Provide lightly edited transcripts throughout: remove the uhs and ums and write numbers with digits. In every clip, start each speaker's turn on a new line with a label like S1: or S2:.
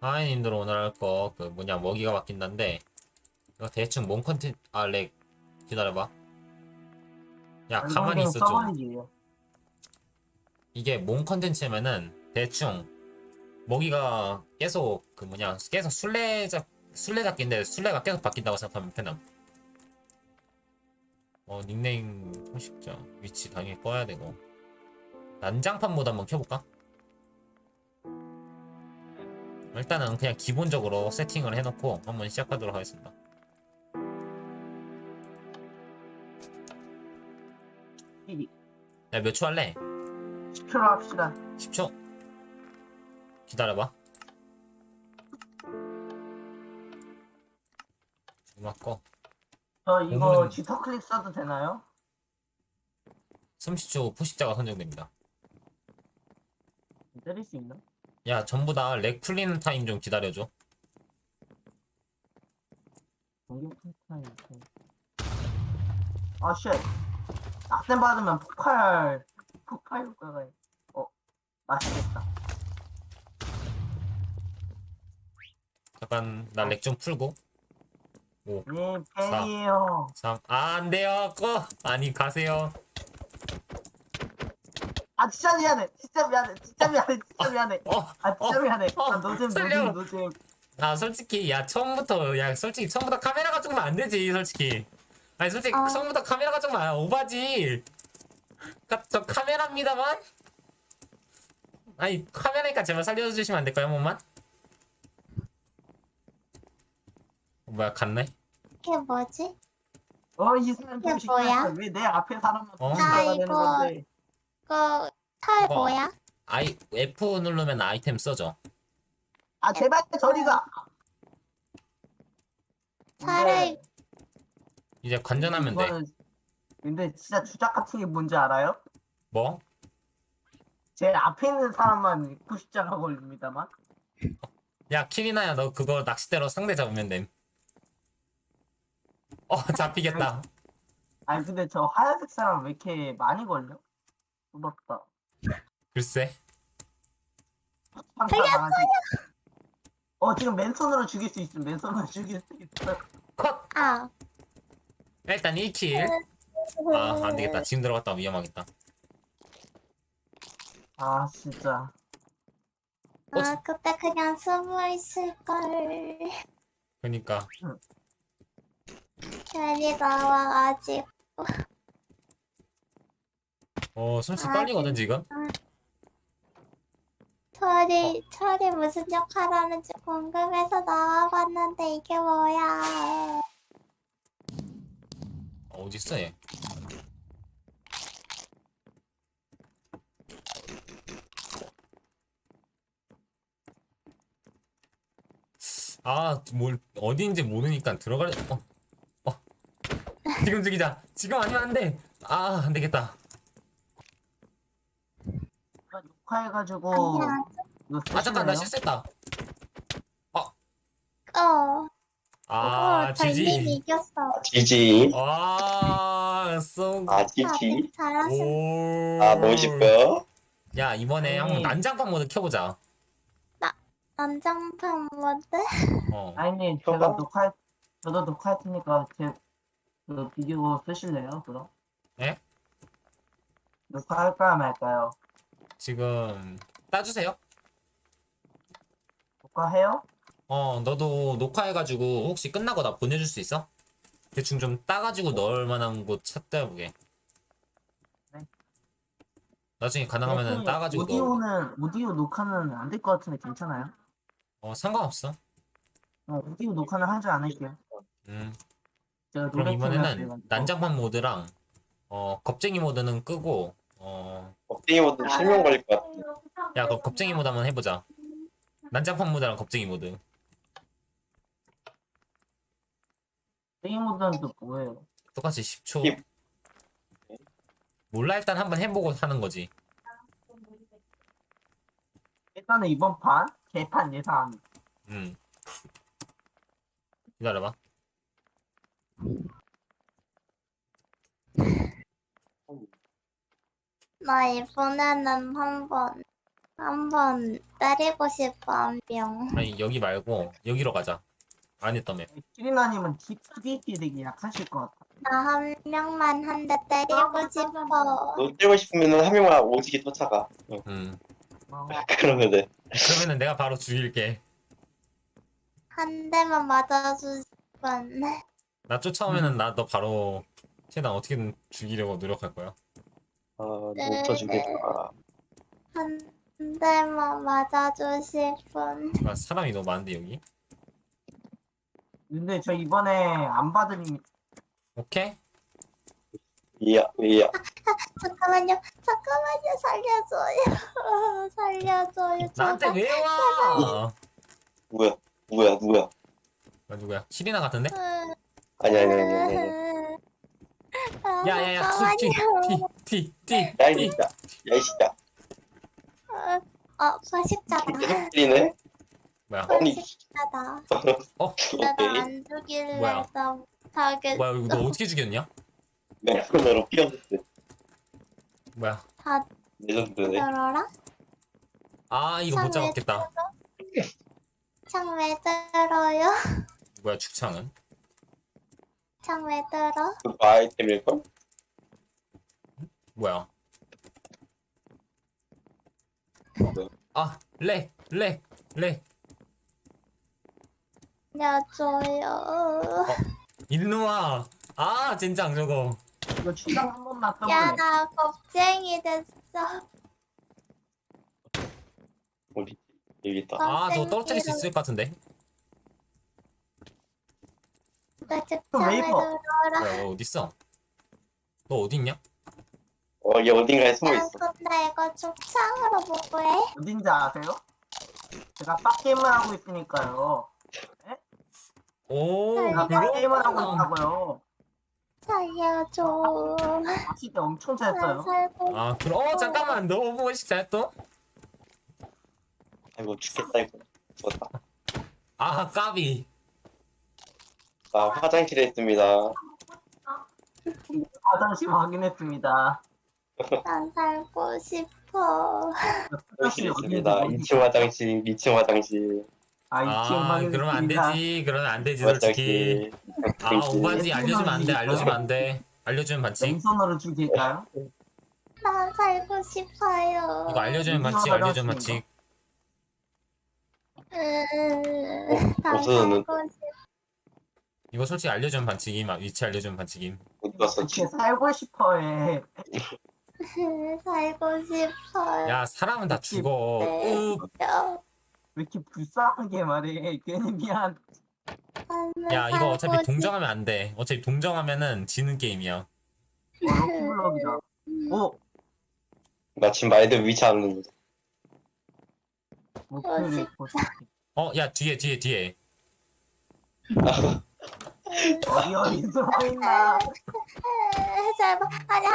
S1: 하이님들 오늘 할 거 그 뭐냐 먹이가 바뀐다는데 이거 대충 몸 컨텐츠 렉 기다려봐. 야 가만히
S2: 일반적인
S1: 있어 좀.
S2: 서버이에요.
S1: 이게 몸 컨텐츠면은 대충 먹이가 계속 그 뭐냐 계속 술래잡기인데 술래가 계속 바뀐다고 생각하면 편함. 닉네임 형식자 위치 당연히 꺼야 되고 난장판 모드 한번 켜볼까? 일단은 그냥 기본적으로 세팅을 해놓고 한번 시작하도록 하겠습니다. 야 몇 초 할래?
S2: 10초로 합시다.
S1: 10초? 기다려봐. 음악 꺼.
S2: 저 이거
S1: 공은
S2: G터 클릭 써도 되나요?
S1: 30초 포식자가 선정됩니다.
S2: 때릴 수 있나?
S1: 야 전부 다 렉 풀리는 타임 좀 기다려줘.
S2: 공격 타임. 아, 쉣. 낙뎀 받으면 폭발 효과가, 맛있겠다.
S1: 잠깐 나 렉 좀 풀고. 5
S2: 네,
S1: 4
S2: 팬이에요.
S1: 3 안돼요 꺼. 아니 가세요.
S2: 아, 진짜 미안해. 진짜 미안해. 진짜 미안해. 진짜 미안해. 아, 진짜 미안해. 아,
S1: 살려.
S2: 노잼.
S1: 솔직히 솔직히 처음부터 카메라가 조금 안 되지 솔직히. 아니 솔직히 처음부터 카메라가 좀 오바지. 저 카메라입니다만. 아니 카메라니까 제발 살려주시면 안 될까요 한 번만? 뭐야 갔네?
S3: 이게 뭐지?
S2: 이 사람 좀
S3: 이게 뭐야?
S2: 시키니까 왜 내 앞에 사람만
S1: 어?
S2: 부시다가 되는
S3: 이거-
S2: 건데.
S3: 그털
S1: 이거-
S3: 뭐야?
S1: F 누르면 아이템 써져.
S2: 아, 제발 저리 가.
S3: 차라리-
S1: 이제 관전하면 돼.
S2: 근데 진짜 주작 같은 게 뭔지 알아요?
S1: 뭐?
S2: 제 앞에 있는 사람만 90자가 걸립니다만.
S1: 야 키리나야 너 그거 낚싯대로 상대 잡으면 됨. 잡히겠다.
S2: 아니 근데 저 하얀색 사람 왜 이렇게 많이 걸려? 무섭다.
S1: 글쎄.
S2: 살렸어요. 지금 맨손으로 죽일 수 있음. 맨손으로 죽일 수 있어.
S1: 컷!
S3: 아.
S1: 일단 1킬. 안되겠다. 지금 들어갔다 위험하겠다.
S2: 아 진짜.
S3: 그때 그냥 숨어 있을걸.
S1: 그니까.
S3: 괜히 나와가지고.
S1: 솔직히 떨리거든 지금.
S3: 철이 무슨 역할하는지 궁금해서 나와봤는데 이게 뭐야.
S1: 어딨어 얘. 어디인지 모르니까 들어갈. 지금 죽이자. 지금 아니면 안 돼. 안 되겠다.
S2: 녹화해가지고 이거
S1: 잠깐 나
S2: 쓰실래요?
S1: 실수했다.
S3: 달님이
S1: 지지.
S3: 이겼어.
S4: 지지. 지지.
S3: 잘하셨어.
S4: 멋있고.
S1: 야 이번에 한번 난장판 모드 켜보자.
S3: 난장판 모드?
S2: 아니님
S4: 켜봐.
S2: 저도 녹화할 테니까 그 비디오 쓰실래요? 그럼?
S1: 네?
S2: 녹화할까요 말까요?
S1: 지금 따주세요.
S2: 녹화해요?
S1: 너도 녹화해가지고 혹시 끝나고 나 보내줄 수 있어? 대충 좀 따가지고 넣을 만한 곳 찾다보게.
S2: 네.
S1: 나중에 가능하면 따가지고 넣어.
S2: 오디오 녹화는 안 될 것 같은데 괜찮아요?
S1: 상관없어.
S2: 오디오 녹화는 하지 않을게요. 제가
S1: 그럼
S2: 노래
S1: 이번에는
S2: 틀면
S1: 난장판 모드랑 겁쟁이 모드는 끄고
S4: 겁쟁이 모드 실명 걸릴 것 같아.
S1: 야 그럼 겁쟁이 모드 한번 해보자. 난장판 모드랑 겁쟁이 모드.
S2: 게임 모드는 또 뭐예요?
S1: 똑같이 10초.
S4: 힙.
S1: 몰라 일단 한번 해보고 하는 거지.
S2: 일단은 이번 판 개판 예상.
S1: 기다려봐.
S3: 나 이번에는 한번 한번 때리고 싶어 한 명.
S1: 아니 여기 말고 여기로 가자. 안 했다며.
S2: 키리나님은 TDP 되게 약하실 것 같아.
S3: 나 한 명만 한 대 때리고 싶어.
S4: 너 때리고 싶으면은 한 명만 오지게 쫓아가. 응.
S2: 어,
S4: 그러면 돼.
S1: 그러면은 내가 바로 죽일게.
S3: 한 대만 맞아주시면.
S1: 나 쫓아오면은 나 너 바로 최대한 어떻게든 죽이려고 노력할 거야.
S4: 못 쳐주겠다.
S3: 한 대만 맞아주실 분.
S1: 아, 사람이 너무 많은데 여기.
S2: 근데 저 이번에 안 받으니
S1: 오케이?
S4: 이야.
S3: 잠깐만요. 살려줘요. 살려줘요.
S1: 나한테
S3: 제발.
S1: 왜 와?
S4: 누구야?
S1: 아, 누구야? 시리나 같은데?
S4: 아니.
S1: 야야야
S3: 잠깐만요.
S1: 티.
S4: 야, 이 진짜. 야, 이 진짜.
S3: 포식자다.
S4: 계속 들리네?
S1: 뭐야?
S4: 아니,
S3: 포식자다.
S1: 어?
S3: 내가
S4: 오케이.
S3: 안 죽일래.
S1: 뭐야?
S3: 나 못하겠어.
S1: 뭐야 이거 너 어떻게 죽였냐?
S4: 맨손으로 피어줬어.
S1: 뭐야?
S3: 다
S4: 레전드네.
S3: 들어라?
S1: 아 이거 못 잡았겠다.
S3: 창 왜 들어요?
S1: 뭐야 죽창은?
S3: 창 왜 들어?
S4: 그거 아이템일걸?
S1: 뭐야? 아 렉.
S3: 알려줘요.
S1: 일로와. 아 젠장 저거.
S2: 이거 추장 한 번만 써볼래?
S3: 야, 나 겁쟁이 됐어.
S4: 어디? 여기 있다.
S1: 아 저거 떨어뜨릴 수 있을 것 같은데.
S3: 나 직장에
S2: 웨이퍼.
S3: 들어라.
S1: 뭐야 너 어딨어? 너 어딨냐?
S4: 얘 어딘가에 숨어
S3: 야,
S4: 있어.
S3: 근데 이거 죽창으로 뭐해?
S2: 어딘지 아세요? 제가 빡게임을 하고 있으니까요.
S1: 오
S2: 제가 빡게임을 하고
S1: 그렇구나.
S2: 있다고요.
S3: 살려줘.
S2: 낚시 때 엄청
S3: 나
S2: 잘했어요.
S3: 살고
S1: 아 그럼 잠깐만 너 보고 싶다 또?
S4: 아이고, 죽겠다, 이거. 죽었다.
S1: 아 까비.
S4: 화장실에 있습니다.
S2: 화장실 확인했습니다.
S3: 난 살고 싶어.
S4: 화장실에 있습니다. 2층 화장실, 2층 화장실,
S2: 아, 2층
S1: 아
S2: 확인했습니다.
S1: 그러면 안 되지. 그러면 안 되지 솔직히.
S4: 화장실.
S1: 아 오바지 알려주면 안 돼. 알려주면 안 돼. 알려주면 반칙.
S2: 왼손으로 죽일까요?
S3: 난 살고 싶어요.
S1: 이거 알려주면 반칙. 알려주면 반칙.
S3: 난
S4: 없어졌는-
S3: 살고 싶어.
S1: 이거 솔직히 알려주면 반칙임. 위치 알려주면 반칙임.
S4: 어디 갔어?
S2: 이렇게 살고 싶어해.
S3: 살고 싶어요.
S1: 야 사람은 다 죽어.
S3: 네.
S2: 왜 이렇게 불쌍하게 말해. 괜히 미안.
S1: 야 이거 어차피 동정하면 안 돼. 어차피 동정하면은 지는 게임이야.
S2: 럭키블럭이다. 오!
S4: 나 지금 말들 위치 안 누르.
S2: 목표를 보자.
S1: 야 뒤에.
S2: 어디 숨어있나.
S3: 제발. 아니,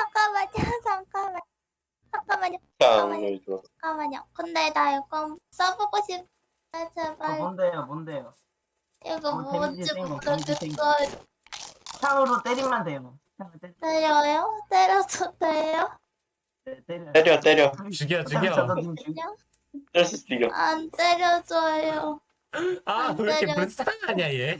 S3: 잠깐만요.
S4: 을 줘.
S3: 잠깐만요. 근데 나 이거 써보고 싶어. 제발.
S2: 뭔데요?
S3: 이거
S2: 데미지
S3: 뭔지
S2: 센 거, 데미지 센
S3: 모르겠어요.
S2: 창으로 때리면 돼요. 창으로
S3: 때려요? 때려도 돼요?
S4: 때려.
S1: 죽여.
S3: 그냥
S4: 때릴 수 있어.
S3: 안 때려줘요.
S1: 아 왜 이렇게 불쌍하냐 얘.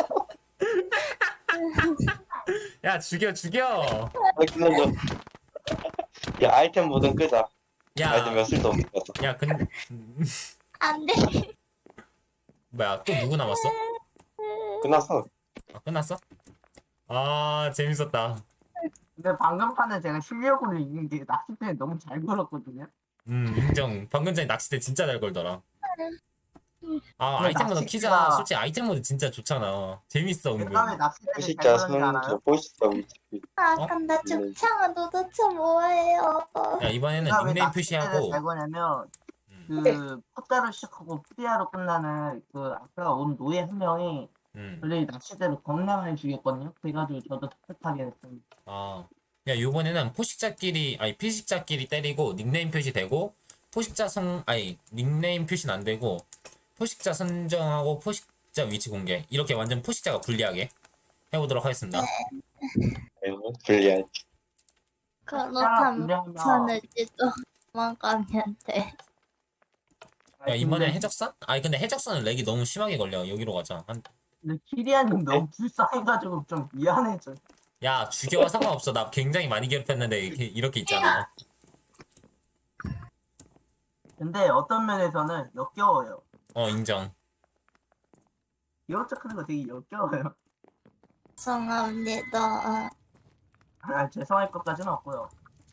S1: 야 죽여.
S4: 끝나죠. 야, 아이템 모든 끄자. 아이템
S1: 야.
S4: 몇 쓸도 없을 것 같아.
S1: 야 근데
S3: 안 돼.
S1: 뭐야 또 누구 남았어?
S4: 끝났어.
S1: 아 끝났어? 아 재밌었다.
S2: 근데 방금 판은 제가 실력으로 이긴 게 낚싯대에 너무 잘 걸었거든요.
S1: 인정. 방금 전에 낚싯대 진짜 잘 걸더라. 아
S2: 근데
S1: 아이템 모드
S2: 낚싯대가-
S1: 키자. 솔직히 아이템 모드 진짜 좋잖아. 재밌어 은근.
S2: 제가 왜 낚싯대를 잘
S4: 포식자
S2: 걸었는지
S4: 선수,
S2: 알아요?
S4: 포식자 위치.
S3: 아, 근데 죽창은 도대체 뭐예요?
S1: 야 이번에는
S2: 제가 왜
S1: 닉네임
S2: 낚싯대를
S1: 표시하고
S2: 잘 거냐면
S1: 음,
S2: 그 포자로 시작하고 푸디아로 끝나는 그 아까 온 노예 한 명이 원래 낚싯대로 겁나 많이 죽였거든요. 그래가지고 저도 답답하게 됐습니다.
S1: 아, 야 요번에는 피식자끼리 때리고 닉네임 표시되고 닉네임 표시는 안 되고 포식자 선정하고 포식자 위치 공개 이렇게 완전 포식자가 불리하게 해보도록 하겠습니다.
S4: 아이고, 불리하지.
S3: 그렇다면
S2: 분량이면
S3: 저는지도 도망가면 돼.
S1: 야 이번에 해적선? 아니 근데 해적선은 렉이 너무 심하게 걸려. 여기로 가자.
S2: 근데 키리안님 너무 불쌍해가지고 좀 미안해져.
S1: 야 죽여 상관없어. 나 굉장히 많이 괴롭혔는데 이렇게 있잖아.
S2: 근데 어떤 면에서는 역겨워요.
S1: 인정.
S2: 기어차 크는 거 되게 역겨워요.
S3: 죄송합니다.
S2: 아, 죄송할 것까지는 없고요.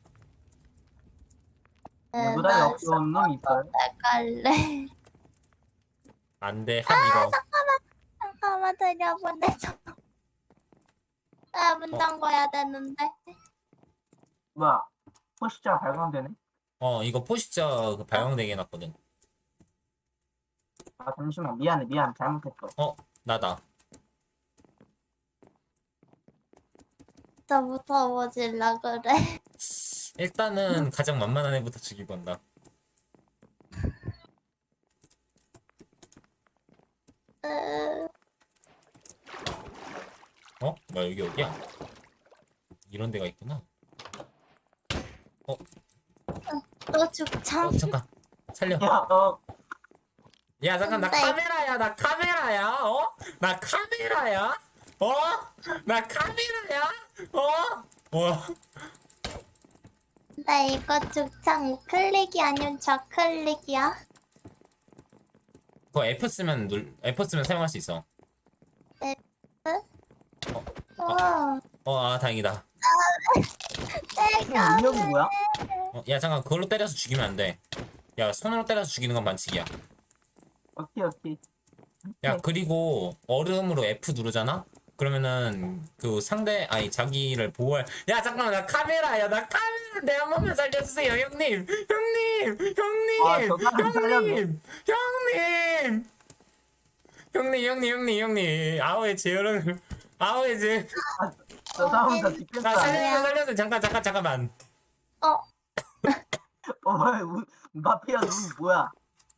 S3: 네,
S2: 누구나
S3: 나
S2: 역겨운 놈 있어요.
S3: 갈래.
S1: 안돼 한 이거.
S3: 잠깐만 들려보내줘. 나문 잠궈야 되는데.
S2: 뭐야? 포시자 발광되네?
S1: 이거 포시자 그 발광되게 해놨거든.
S2: 아, 잠시만. 미안. 잘못했어.
S1: 나다.
S3: 저부터 보질라 그래.
S1: 일단은 가장 만만한 애부터 죽이고 간다. 뭐야 여기 어디야? 이런 데가 있구나.
S3: 또 죽창.
S1: 잠깐 살려.
S2: 야,
S1: 야 잠깐 나
S3: 근데-
S1: 카메라야. 나 카메라야. 나 카메라야. 나 카메라야. 뭐야?
S3: 나 이거 죽창 클릭이 아니면 좌클릭이야?
S1: 그거 F 쓰면 사용할 수 있어. 다행이다.
S3: 내가
S2: 운명이 뭐야?
S1: 야 잠깐 그걸로 때려서 죽이면 안 돼. 야 손으로 때려서 죽이는 건 반칙이야.
S2: 오케이.
S1: 야 그리고 얼음으로 F 누르잖아? 그러면은 그 자기를 보호할. 야 잠깐만 나 카메라야. 나 카메라인데 한 번만 살려주세요 형님.
S2: 아, 저 사람 살렸네.
S1: 형님. 아우의 제어를
S2: 저 사람 다 죽겠어.
S1: 나 살려줘. 잠깐만.
S2: 뭐야, 마피아 눈 뭐야?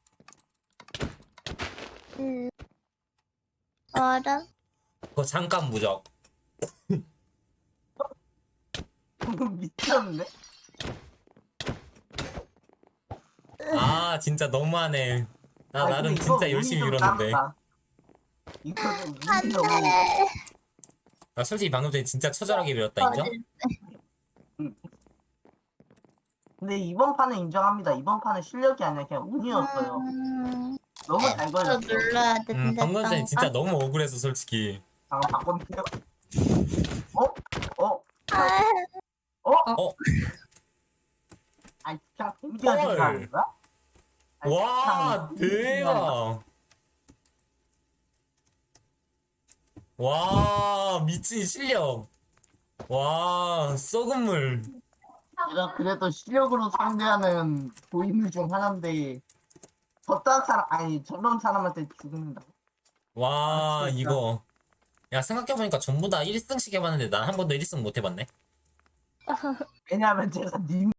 S3: 얼음?
S1: 그거 잠깐 무적.
S2: 미쳤는데?
S1: 아 진짜 너무하네. 나
S2: 아,
S1: 나름
S2: 근데 이거
S1: 진짜
S2: 운이
S1: 열심히
S2: 좀
S1: 밀었는데.
S2: 까맣다. 이거 좀 운이
S3: 안
S2: 너무.
S3: 돼.
S1: 나 솔직히 방금 전에 진짜 처절하게 밀었다 인정?
S2: 근데 이번 판은 인정합니다. 이번 판은 실력이 아니라 그냥 운이었어요. 너무 잘
S3: 또
S2: 걸렸어.
S3: 눌러야 되는데.
S1: 방금 전에 진짜
S3: 아,
S1: 너무 억울해서 솔직히.
S2: 잠깐 바꿨네요. 아니, 그냥 재밌게
S1: 헐.
S2: 하는 거야? 아니,
S1: 와
S2: 그냥 재밌게 하는 거야?
S1: 대박. 와 미친 실력. 와 썩은 물.
S2: 내가 그래도 실력으로 상대하는 고인물 중 하나인데 저런 사람한테 죽는다.
S1: 와
S2: 아, 진짜.
S1: 이거. 야 생각해보니까 전부 다 1승씩 해봤는데 난 한 번도 1승 못 해봤네.
S2: 왜냐하면 제가 님